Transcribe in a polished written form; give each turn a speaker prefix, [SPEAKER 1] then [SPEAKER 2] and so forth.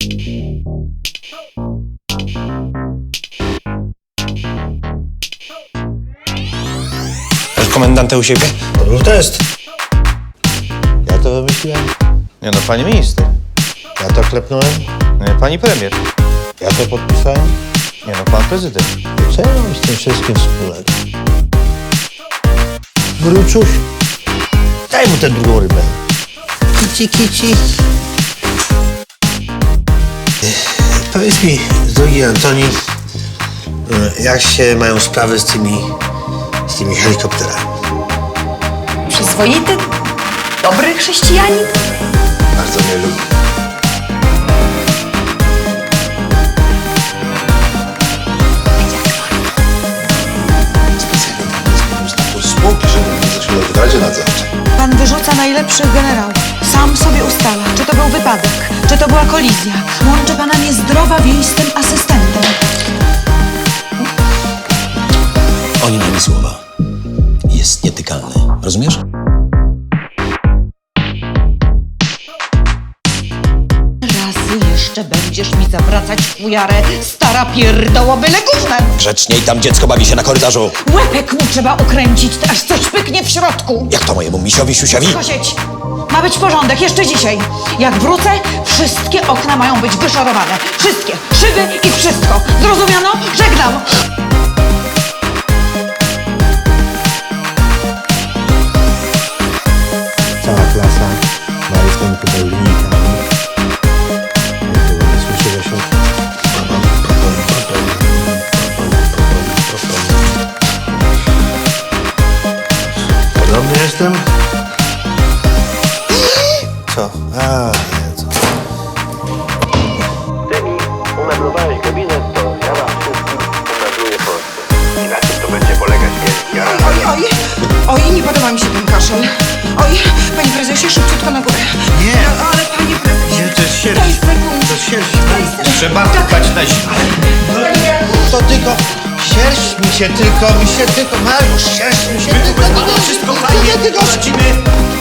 [SPEAKER 1] Masz komendantę u siebie?
[SPEAKER 2] To był test. Ja to wymyśliłem.
[SPEAKER 1] Nie no, pani minister.
[SPEAKER 2] Ja to klepnąłem.
[SPEAKER 1] Nie, pani premier.
[SPEAKER 2] Ja to podpisałem.
[SPEAKER 1] Nie no, pan prezydent.
[SPEAKER 2] Co ja mam z tym wszystkim wspólnego? Wróciuś, daj mu tę drugą rybę. Kici, kici. Powiedz mi, drogi Antoni, jak się mają sprawy z tymi helikopterami?
[SPEAKER 3] Przyzwoity, dobry chrześcijanin.
[SPEAKER 2] Bardzo mnie lubi. Specjalnie tam jest spółki, żeby mnie zaczęło w Radzie Nadzorczej.
[SPEAKER 4] Pan wyrzuca najlepszych generałów. Sam sobie ustala, czy to był wypadek, czy to była kolizja. Łączy pana niezdrowa więź z tym asystentem.
[SPEAKER 5] Oni dali słowa. Jest nietykalny. Rozumiesz?
[SPEAKER 4] Razy jeszcze będziesz mi zawracać fujarę, stara pierdoła byle gównem.
[SPEAKER 5] Grzeczniej, tam dziecko bawi się na korytarzu.
[SPEAKER 4] Łepek mu trzeba ukręcić, aż coś pyknie w środku.
[SPEAKER 5] Jak to mojemu misiowi, siusiowi?
[SPEAKER 4] Kosieć! Ma być porządek jeszcze dzisiaj. Jak wrócę, wszystkie okna mają być wyszorowane. Wszystkie, szyby i wszystko. Zrozumiano? Żegnam!
[SPEAKER 2] Cała klasa ma rysunku do linijka. Nie słyszę się. Podobny jestem? Co? A, nie, co?
[SPEAKER 6] Ty mi umeblowałeś gabinet, to ja wam wszystkim umebluję Polskę. I na czym to będzie polegać wielki aranż?
[SPEAKER 7] Oj, nie podoba mi się ten kaszel. Oj, panie prezesie, szybciutko na górę.
[SPEAKER 2] Nie.
[SPEAKER 7] No, ale panie prezesie.
[SPEAKER 2] Nie, to jest sierść.
[SPEAKER 7] Daj sekundę.
[SPEAKER 2] To jest sierść.
[SPEAKER 1] Trzeba dbać na zimę.
[SPEAKER 2] To tylko sierść mi się tylko, Mariusz, sierść mi się tylko.
[SPEAKER 1] Wszystko fajnie,
[SPEAKER 2] tylko.
[SPEAKER 1] radzimy.